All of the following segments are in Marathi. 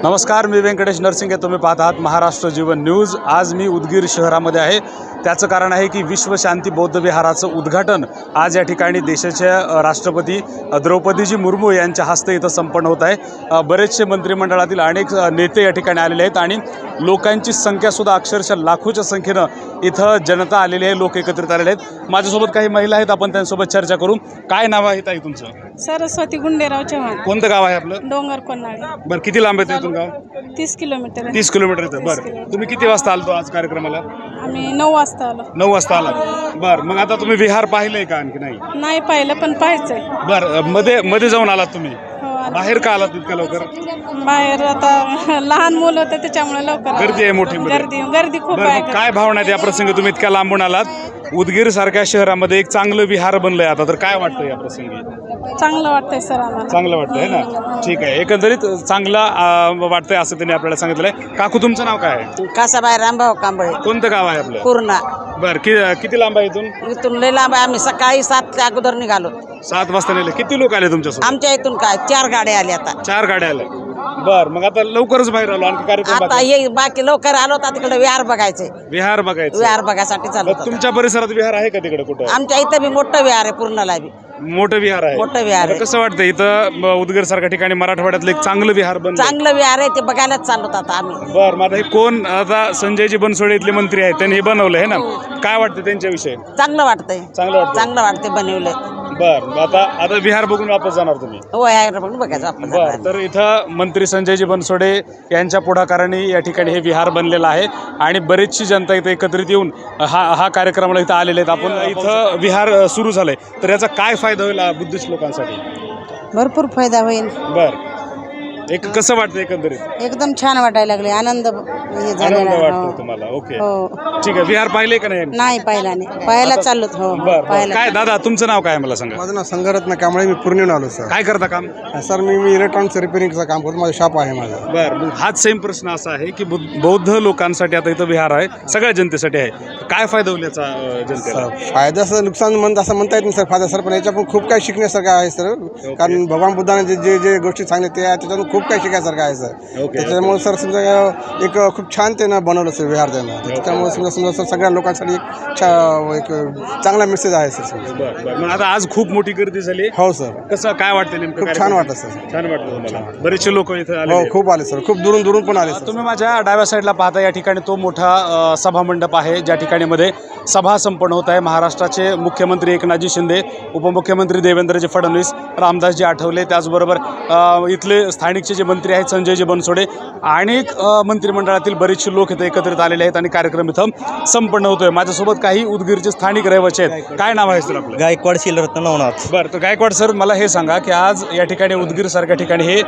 नमस्कार, मी व्यंकटेश नरसिंगे. तुम्ही पाहत आहात महाराष्ट्र जीवन न्यूज. आज मी उदगीर शहरामध्ये आहे. त्याचं कारण आहे की विश्वशांती बौद्ध विहाराचं उद्घाटन आज या ठिकाणी देशाच्या राष्ट्रपती द्रौपदीजी मुर्मू यांच्या हस्ते इथं संपन्न होत आहे. बरेचसे मंत्रिमंडळातील अनेक नेते या ठिकाणी आलेले आहेत आणि लोकांची संख्यासुद्धा अक्षरशः लाखोच्या संख्येनं इथं जनता आलेली आहे, लोक एकत्रित आलेले आहेत. माझ्यासोबत काही महिला आहेत, आपण त्यांच्यासोबत चर्चा करू. काय नाव आहे ताई तुमचं? सरस्वती गुंडेराव चव्हाण. कोणतं गाव आहे आपलं? डोंगर कोन्हाळे. बरं, किती लांब आहे इथून गाव? 30 किलोमीटर. 30 किलोमीटर येतं. बरं, तुम्ही किती वाजता आलतो आज कार्यक्रमाला? आम्ही 9 वाजता आलो. 9 वाजता आला. बरं, मग आता तुम्ही विहार पाहिलंय का आणखी नाही? नाही पाहिलं, पण पाहायचंय. बरं, मध्ये जाऊन आलात तुम्ही? हो, आलो. बाहेर का आलात इतक्या लवकर? बाहेर आता लहान मुलं होतं त्याच्यामुळे लवकर गर्दी आहे मोठी मध्ये. गर्दी खूप बरं, आहे. मग काय भावना आहेत या प्रसंगी? तुम्ही इतक्या लांबून आलात, उदगीर सारख्या शहरामध्ये एक चांगलं विहार बनलंय आता, तर काय वाटतं या प्रसंगी? चांगलं वाटतंय सर आम्हाला. चांगलं वाटतंय ना? ठीक आहे, एकंदरीत चांगला वाटतंय असं त्यांनी आपल्याला सांगितलंय. काकू, तुमचं नाव काय आहे? कासाबाई रामभाऊ कांबळे. कोणतं गाव आहे आपलं? पूर्णा. बरं, किती लांब आहे इथून? इथून लय लांब आहे. आम्ही सकाळी 7च्या अगोदर निघालो. 7 वाजता नेले. किती लोक आले तुमच्यासोबत? आमच्या इथून काय 4 गाड्या आल्या आता. 4 गाड्या आल्या. बरं, मग आता लवकरच बाहेर आलो, आणखी कार्यक्रम आता बाकी? हे बाकी लवकर आलो तर तिकडे विहार बघायचे. विहार बघायचं. विहार बघायसाठी चालू मग तुमच्या परिसरात विहार आहे का तिकडे कुठं? आमच्या इथं बी मोठं विहार आहे. पूर्णाला बी मोठं विहार आहे. मोठं विहार आहे. आता कसं वाटतं इथं उदगीर सारख्या ठिकाणी मराठवाड्यातलं एक चांगलं विहार बनलं? चांगलं विहार आहे, ते बघायलाच चाललो आता आम्ही. बरं, मग आता हे कोण, आता संजयजी बनसोडे इथले मंत्री आहेत, त्यांनी हे बनवलं आहे ना, काय वाटतं त्यांच्याविषयी? चांगलं वाटतंय. चांगलं वाटतं. चांगलं वाटतंय बनवलंय. बरं, आता विहार बघून वापस जाणार तुम्ही? हो, विहार बघून बघायचं आपण. बरं, तर इथं मंत्री संजयजी बनसोडे यांच्या पुढाकाराने या ठिकाणी हे विहार बनलेलं आहे आणि बरीचशी जनता इथं एकत्रित येऊन हा कार्यक्रमाला इथं आलेले आहेत. आपण इथं विहार सुरू झालंय, तर याचा काय फायदा होईल बुद्धिस्ट लोकांसाठी? भरपूर फायदा होईल. बरं, एक कसं वाटतं एकंदरीत? एकदम छान वाटायला लागले. आनंद हे झालेला आनंद आहे. वाटतो हो. तुम्हाला? ओके, हो, ठीक आहे. विहार पाहिले का नाही? नाही पाहिला नाही. पाहायला चाललो. हो, बरं, पाहायला. काय दादा, तुमचं नाव काय मला सांगा? माझं नाव संघरत्न कांबळे. मी पूर्णिहून आलो सर. काय करता काम? सर मी इलेक्ट्रॉनिक्स रिपेअरिंगचं काम करतो. माझं शॉप आहे माझं. बरं, मग हाच सेम प्रश्न असा आहे की बौद्ध लोकांसाठी आता इथं विहार आहे, सगळ्या जनतेसाठी आहे, काय फायदा होईल याचा जनतेला? फायद्याचं नुकसान असं म्हणता येत नाही सर. फायदा सर, पण याच्या पण खूप काही शिकण्यासारखं आहे सर. कारण भगवान बुद्धाने जे गोष्टी सांगितल्या त्या त्याच्यातून खूप काही शिकायसारखं आहे सर. त्याच्यामुळे सर समजा एक खूप छान त्यानं बनवलं सर विहार त्यानं. त्याच्यामुळे समजा सर सगळ्या लोकांसाठी एक चांगला मेसेज आहे सर. बरं, मग आता आज खूप मोठी गर्दी झाली. हो सर. कसं काय वाटतं नेमकं? खूप छान वाटतं सर. छान वाटतं तुम्हाला? बरेचसे लोक इथं आले. हो, खूप आले सर. खूप दुरून पण आले सर. तुम्ही माझ्या डाव्या साईडला पाहता, या ठिकाणी तो मोठा सभा मंडप आहे, ज्या ठिकाणी मध्ये सभा संपन्न होत आहे. महाराष्ट्राचे मुख्यमंत्री एकनाथजी शिंदे, उपमुख्यमंत्री देवेंद्रजी फडणवीस, रामदासजी आठवले, त्याचबरोबर इथले स्थानिकचे जे मंत्री आहेत संजयजी बनसोडे, अनेक मंत्रिमंडळातील बरेचसे लोक इथं एकत्रित आलेले आहेत आणि कार्यक्रम इथं संपन्न होतोय. माझ्यासोबत काही उदगीरचे स्थानिक रहिवासी आहेत. काय नाव आहे सर आपलं? गायकवाड शिलरत्न नवनाथ. बरं, तर गायकवाड सर, मला हे सांगा की आज या ठिकाणी उदगीर सारख्या ठिकाणी हे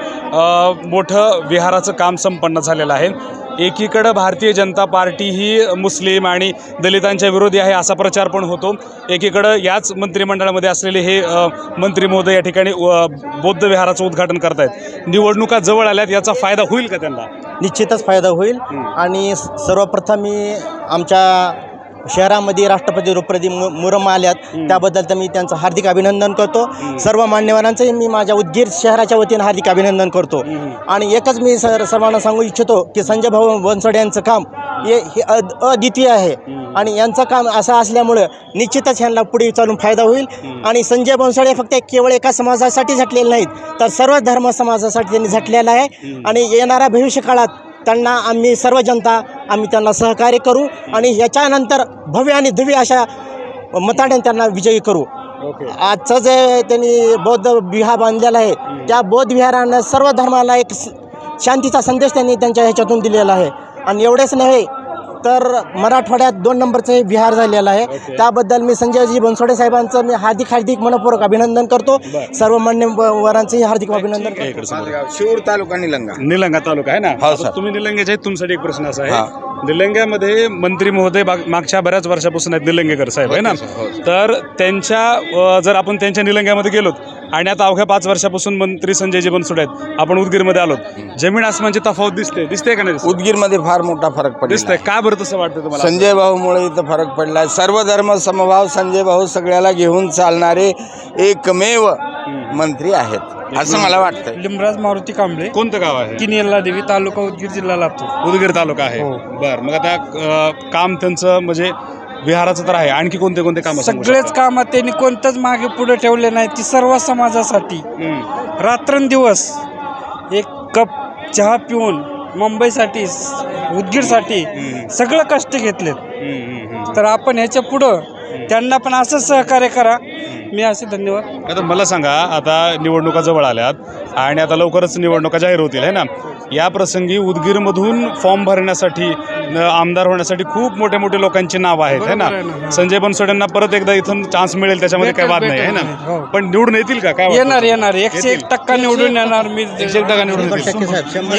मोठं विहाराचं काम संपन्न झालेलं आहे. एकीकडं भारतीय जनता पार्टी ही मुस्लिम आणि दलितांच्या विरोधी आहे असा प्रचार पण होतो. एकीकडं याच मंत्रिमंडळामध्ये असलेले हे मंत्री महोदय या ठिकाणी बौद्ध विहाराचं उद्घाटन करतायत. निवडणुका जवळ आल्यात, याचा फायदा होईल का त्यांना? निश्चितच फायदा होईल. आणि सर्वप्रथम मी आमच्या शहरामध्ये राष्ट्रपती द्रौपदी मुर्मू आल्यात, त्याबद्दल तर मी त्यांचं हार्दिक अभिनंदन करतो. सर्व मान्यवरांचंही मी माझ्या उदगीर शहराच्या वतीनं हार्दिक अभिनंदन करतो. आणि एकच मी सर्वांना सांगू इच्छितो की संजय भाऊ बनसोडे यांचं काम हे अद्वितीय आहे आणि यांचं काम असं असल्यामुळं निश्चितच यांना पुढे चालून फायदा होईल. आणि संजय बनसोडे फक्त केवळ एका समाजासाठी झटलेले नाहीत, तर सर्व धर्म समाजासाठी त्यांनी झटलेलं आहे. आणि येणाऱ्या भविष्य काळात त्यांना आम्ही सर्व जनता त्यांना सहकार्य करू आणि याच्यानंतर भव्य आणि दिव्य अशा मताने त्यांना विजयी करू. आजचं जे त्यांनी बौद्ध विहार बांधलेला आहे, त्या बौद्ध विहारानं सर्व धर्माला एक शांतीचा संदेश त्यांनी त्यांच्या ह्याच्यातून दिलेला आहे. आणि एवढेच नाही तर मराठवाड्यात 2 नंबरचं हे विहार झालेलं आहे. त्याबद्दल मी संजयजी बनसोडे साहेबांचं मी हार्दिक मनपूर्वक अभिनंदन करतो. सर्व मान्यवरांचंही हार्दिक अभिनंदन करतो. शिरूर तालुका निलंगा तालुका आहे ना? तुम्ही निलंग्याचे आहेत. तुमच्यासाठी एक प्रश्न असा आहे, निलंग्यामध्ये मंत्री महोदय मागच्या बऱ्याच वर्षापासून आहेत, निलंगेकर साहेब आहे ना, तर त्यांच्या जर आपण त्यांच्या निलंग्यामध्ये गेलो आणि आता अवघ्या 5 वर्षापासून मंत्री संजयजी बनसोडे आहेत. आपण उदगीरमध्ये आलोत. जमीन आसमानची तफावत दिसते का नाही? उदगीरमध्ये फार मोठा फरक पडला. दिसतंय. का बरं तसं वाटतं तुम्हाला? संजय भाऊमुळे इथं फरक पडला. सर्व धर्म समभाव संजय भाऊ सगळ्याला घेऊन चालणारे एकमेव मंत्री आहेत असं मला वाटतं. लिमराज मारुती कांबळे, कोणतं गाव आहे? किनियल्ला देवी, तालुका उदगीर, जिल्हा लातूर. उदगीर तालुका आहे. बरं, मग आता काम त्यांचं म्हणजे विहाराचं तर आहे, आणखी कोणते कोणते काम? सगळेच कामात त्यांनी कोणतंच मागे पुढे ठेवले नाही. ती सर्व समाजासाठी रात्रंदिवस एक कप चहा पिऊन मुंबईसाठी, उदगीरसाठी सगळं कष्ट घेतलेत. तर आपण ह्याच्या पुढं त्यांना पण असंच सहकार्य करा. मी असे धन्यवाद. आता मला सांगा, आता निवडणुका जवळ आल्यात आणि आता लवकरच निवडणुका जाहीर होतील आहे ना. या प्रसंगी उदगीरमधून फॉर्म भरण्यासाठी, आमदार होण्यासाठी खूप मोठे मोठे लोकांची नावं आहेत है ना. संजय बनसोडेंना परत एकदा इथून चान्स मिळेल, त्याच्यामध्ये काही वाद नाही आहे ना. पण निवडून येतील का? काय येणार 101% निवडून येणार. मी 100% निवडून येतील.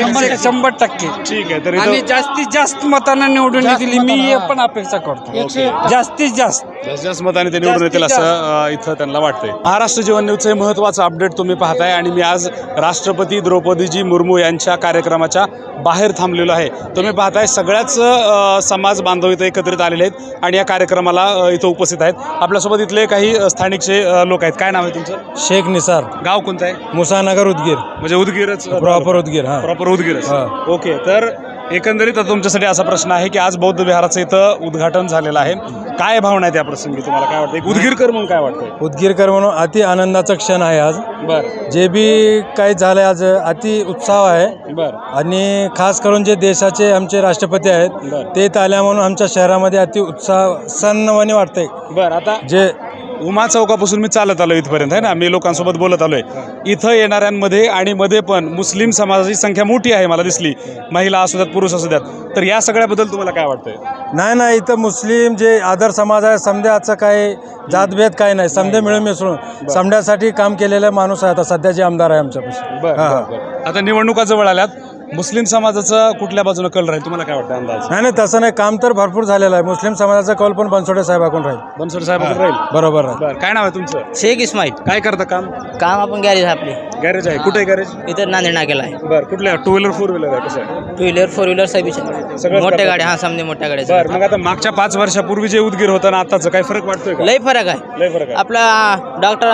100%. ठीक आहे. तर आणि जास्तीत जास्त मतांना निवडून येतील मी हे पण अपेक्षा करतो. जास्तीत जास्त मताने ते निवडून येतील असं इथं त्यांना वाटतंय. महाराष्ट्र जीवन न्यूजचं हे महत्त्वाचं अपडेट तुम्ही पाहताय आणि मी आज राष्ट्रपती द्रौपदीजी मुर्मू यांच्या कार्यक्रमाच्या बाहेर थांबलेलो आहे. तुम्ही पाहताय सगळ्याच समाज बांधव इथं एकत्रित आलेले आहेत आणि या कार्यक्रमाला इथं उपस्थित आहेत. आपल्यासोबत इथले काही स्थानिकचे लोक आहेत. काय नाव आहे तुमचं? शेख निसार, गाव कोणतं आहे? मुसानगर, उदगीर. म्हणजे उदगीरच प्रॉपर उदगीर. प्रॉपर उदगीरच. ओके. तर एकंदरीत तुमच्यासाठी असा प्रश्न आहे की आज बौद्ध विहाराचं इथं उद्घाटन झालेलं आहे. काय भावना आहे त्या प्रसंगी? तुम्हाला काय वाटतं? एक उदगीरकर म्हणून काय वाटतं? उदगीरकर म्हणून अति आनंदाचा क्षण आहे आज. बरं जे बी काही झालं आज अति उत्साह आहे. बरं आणि खास करून जे देशाचे आमचे राष्ट्रपती आहेत ते इथं आल्या म्हणून आमच्या शहरामध्ये अति उत्साह सन्नवाने वाटतंय. बरं. आता जे उमा चौकापासून मी चालत आलो इथपर्यंत आहे ना. मी लोकांसोबत बोलत आलोय. इथं येणाऱ्यांमध्ये आणि मध्ये पण मुस्लिम समाजाची संख्या मोठी आहे मला दिसली. महिला असू द्यात, पुरुष असू द्यात. तर या सगळ्याबद्दल तुम्हाला काय वाटतंय? नाही इथं मुस्लिम जे आदर समाज आहे, समध्याचं काही जातभेद काही नाही. समध्या मिळून मिसळून समध्यासाठी काम केलेला माणूस आहे आता सध्या जे आमदार आहे आमच्यापाशी. बरं. आता निवडणुका जवळ आल्यात. मुस्लिम समाजाचा कुठल्या बाजूने कल राहील तुम्हाला काय वाटतं अंदाज? नाही तसं नाही. काम तर भरपूर झालेलं आहे. मुस्लिम समाजाचा कौल पण बनसोडे साहेबाकडून राहील. बनसोडे साहेबाकडे राहील. बरोबर आहे. बरं. काय नाव आहे तुमचं? शेख इस्माईल. काय करता काम? आपण गॅरेज आपले गॅरेज आहे. कुठे आहे गॅरेज? इथं नांदेड नाक्याला आहे. बरं. कुठल्या? 2 व्हीलर 4 व्हीलर आहे? कसं आहे? 2 व्हीलर 4 व्हीलर सगळंच मोठ्या करतात. गाड्या. समजे मोठ्या गाड्या. बरं. मग आता मागच्या 5 वर्षापूर्वी जे उदगीर होतं ना आताचं काही फरक वाटतोय का? लय फरक आहे. लय फरक आहे. आपला डॉक्टर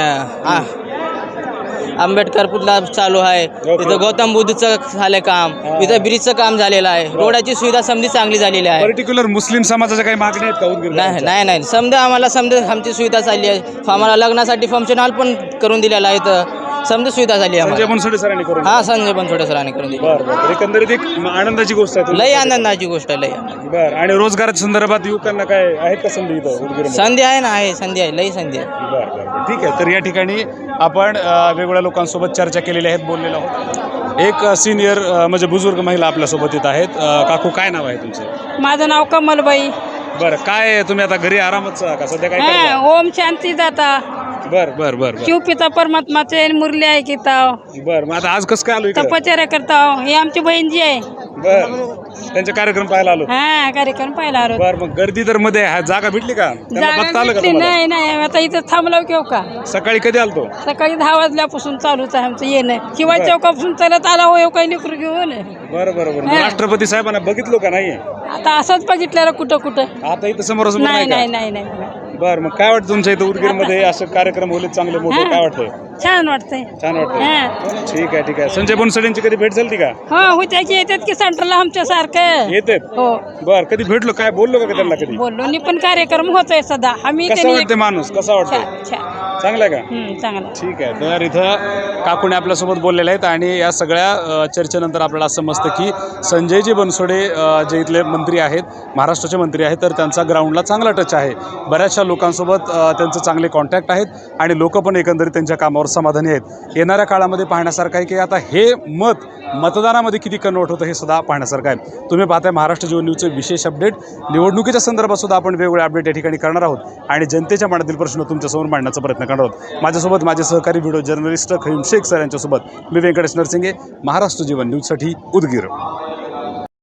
आंबेडकर पुतळा चालू आहे. इथं गौतम बुद्धचं झालं काम. इथं ब्रिजचं काम झालेलं आहे. रोडाची सुविधा समधी चांगली झालेली आहे. पर्टिक्युलर मुस्लिम समाजाच्या काही मागण्या आहेत का उदगीर? नाही समजा आम्हाला आमची सुविधा चालली आहे. आम्हाला लग्नासाठी फंक्शन हॉल पण करून दिलेला आहे. इथं समजा सुविधा झाली आहे. संजय बनसोडे सरांनी करून. संजय बनसोडे सरांनी करून दिली. बरं. एकंदरीत एक आनंदाची गोष्ट आहे. लय आनंदाची गोष्ट आहे. लय आनंद. बरं. आणि रोजगाराच्या संदर्भात युवकांना काय आहेत का संधी इथं उदगीर? संधी आहे ना. संधी आहे. लई संधी आहे. बरं. ठीक आहे. तर या ठिकाणी आपण वेगवेगळ्या लोकांसोबत चर्चा केलेली आहेत, बोललेलो आहोत. एक सिनियर म्हणजे बुजुर्ग महिला आपल्यासोबत येत आहेत. काकू काय नाव आहे तुमचं? माझं नाव कमलबाई. बरं. काय तुम्ही आता घरी आरामच का सध्या? काय करता? ओम शांती दाता. बरं. शिव पिता परमात्माचे मुरली आहे की ताव. बरं. मग आता आज कसं काय आलो इकडे? तपश्चर्या करताव. ही आमची बहीण जी आहे. बरं. त्यांचे कार्यक्रम पाहायला आलो. कार्यक्रम पाहिला आलो. बरं. मग गर्दी तर मध्ये आहे. जागा भेटली का? त्यांना बघता आलं का तुम्हाला? नाही आता इथं थांबलो घेऊ का? सकाळी कधी आलतो? सकाळी 10 वाजल्यापासून चालूच आहे आमचं येणं. शिवाय चौकापासून चालत आला हो काही लेकरू घेऊन. बरं. राष्ट्रपती साहेबांना बघितलो का? नाहीये. आता असंच बघितलं कुठं आता इथं समोरासमोर नाही. नाही. बरं. मग काय वाटतं तुमच्या इथं उदगीरमध्ये असं कार्यक्रम होले चांगले मोठे? काय वाटतंय? छान वाटतंय. छान वाटतं. ठीक आहे. संजय बनसोडेंची कधी भेट झाली का? होत्या की येतात की सेंटरला आमच्या सारखं. येतात. हो. बरं. कधी भेटलो? काय बोललो का त्यांना कधी? बोललो नि पण कार्यक्रम होतोय सदा. आम्ही कसा वाटते माणूस? कसा वाटतंय? चांगला आहे का? चांगला. ठीक आहे. तर इथं काकूने आपल्यासोबत बोललेले आहेत आणि या सगळ्या चर्चेनंतर आपल्याला असं समजतं की संजयजी बनसोडे जे इथले मंत्री आहेत, महाराष्ट्राचे मंत्री आहेत, तर त्यांचा ग्राउंडला चांगला टच आहे. बऱ्याचशा लोकांसोबत त्यांचे चांगले कॉन्टॅक्ट आहेत आणि लोक पण एकंदरीत त्यांच्या कामावर समाधानी आहेत. येणाऱ्या काळामध्ये पाहण्यासारखं आहे की आता हे मतदानामध्ये किती कन्वर्ट होतं हे सुद्धा पाहण्यासारखं आहे. तुम्ही पाहताय महाराष्ट्र जीवन न्यूजचे विशेष अपडेट. निवडणुकीच्या संदर्भात सुद्धा आपण वेगवेगळे अपडेट या ठिकाणी करणार आहोत आणि जनतेच्या मनातील प्रश्न तुमच्यासमोर मांडण्याचा प्रयत्न करणार आहोत. माझ्यासोबत माझे सहकारी video journalist Khayum Shaikh sir यांच्यासोबत मी व्यंकटेश नरसिंगे, महाराष्ट्र जीवन न्यूजसाठी उदगीर.